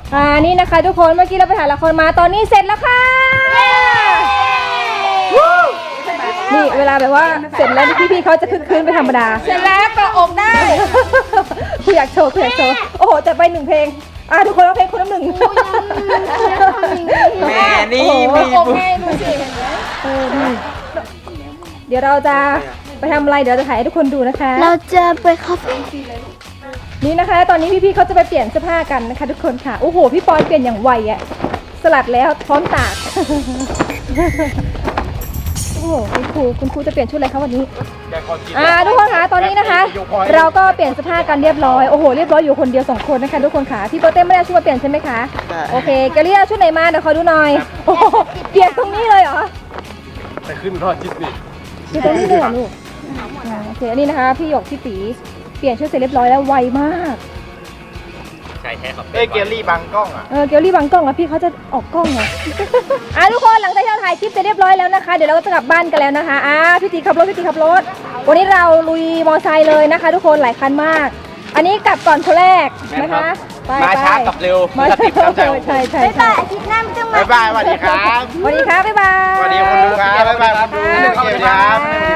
นี่นะคะทุกคนเมื่อกี้เราไปถ่ายละครมาตอนนี้เสร็จแล้วค่ะนี่เวลาแบบว่าเสร็จแล้วพี่ๆเขาจะคึกคืนไปธรรมดาเสร็จแล้วก็อกได้คุณอยากโชว์โอ้โหจัดไป1 เพลงทุกคนร้องเพลงคนละ1 แม่นี่มีบุญเดี๋ยวเราจะไปทำอะไรเดี๋ยวจะถ่ายให้ทุกคนดูนะคะเราจะไปคาเฟ่นี่นะคะตอนนี้พี่ๆเขาจะไปเปลี่ยนเสื้อผ้ากันนะคะทุกคนค่ะโอ้โหพี่ปอนเปลี่ยนอย่างไวอะสลัดแล้วพร้อมตากโอ้โหคุณครูจะเปลี่ยนชุดอะไรคะวันนี้ทุกคนคะตอนนี้นะคะเราก็เปลี่ยนเสื้อผ้ากันเรียบร้อยโอ้โหเรียบร้อยอยู่คนเดียว2 คนนะคะทุกคนค่ะพี่โปเต้ไม่ได้ชุดมาเปลี่ยนใช่ไหมคะโอเคแกเรียกชุดไหนมาเดี๋ยวขอดูหน่อยโอ้โหเปลี่ยนตรงนี้เลยเหรอไปขึ้นรอดจิตนี่อยู่ตรงนี้เลยเหรอลูกโอเคอันนี้นะคะพี่หยกพี่ตีเปลี่ยนชุดเสร็จเรียบร้อยแล้วไวมากใช่แท้ครับเกลลี่บังกล้องเกลลี่บังกล้องแล้วพี่เขาจะออกกล้องเหรอทุกคนหลังจากที่เราถ่ายคลิปเสร็จเรียบร้อยแล้วนะคะเดี๋ยวเราก็จะกลับบ้านกันแล้วนะคะพี่ตีขับรถวันนี้เราลุยมอไซค์เลยนะคะทุกคนหลายคันมากอันนี้กลับก่อนคนแรกนะคะมาช้ากับเร็วมาติดตามใจใช่บ๊ายบายอาทิตย์หน้าไม่ต้องมาบ๊ายบายสวัสดีครับสวัสดีครับบ๊ายบายสวัสดีคนดูครับบ๊ายบายคนดูครับ